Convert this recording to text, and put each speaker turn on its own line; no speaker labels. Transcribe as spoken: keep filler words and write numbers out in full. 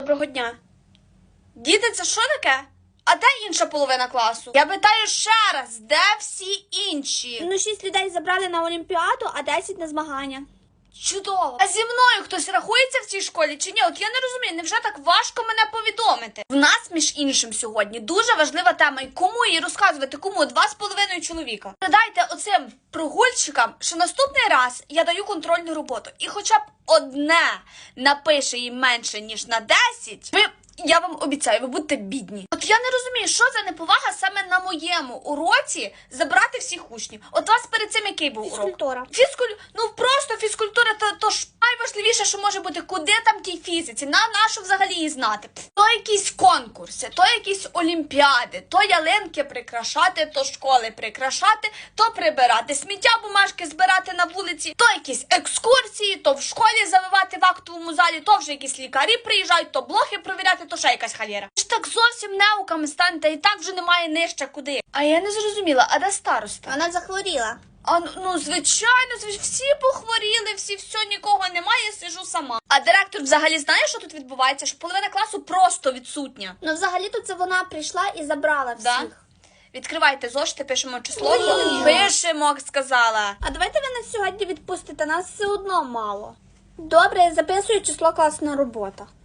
Доброго дня. Діти, це що таке? А де інша половина класу? Я питаю ще раз, де всі інші?
Ну, шість людей забрали на Олімпіаду, а десять на змагання.
Чудово. А зі мною хтось рахується в цій школі чи ні? От я не розумію, невже так важко мене повідомити? В нас, між іншим, сьогодні дуже важлива тема. І кому її розказувати? Кому? Два з половиною чоловіка. Передайте оцим прогульщикам, що наступний раз я даю контрольну роботу. І хоча б одне напише їм менше, ніж на десять, ви... Я вам обіцяю, ви будете бідні. От я не розумію, що за неповага саме на моєму уроці забрати всіх учнів. От у вас перед цим який був урок?
Фізкультура.
Фізкуль... Ну просто фізкультура, то, то ж найважливіше, що може бути, куди там тій фізиці, на нашу взагалі її знати. То якісь конкурси, то якісь олімпіади, то ялинки прикрашати, то школи прикрашати, то прибирати сміття, бумажки збирати на вулиці, то якісь екскурсії, то в школі завивати в актовому залі, то вже якісь лікарі приїжджають, то блохи провіряти, то ще якась халєра. Ви ж так зовсім неуками станете, і так вже немає нижче куди. А я не зрозуміла, а де староста?
Вона захворіла.
А ну, ну звичайно, звич... всі похворіли, всі, все, нікого немає, сижу сама. А директор взагалі знає, що тут відбувається? Що половина класу просто відсутня.
Ну, взагалі-то це вона прийшла і забрала всіх.
Да? Відкривайте зошити, пишемо число.
Ні.
Пишемо, сказала.
А давайте ви нас сьогодні відпустите, нас все одно мало. Добре, я записую число класна робота.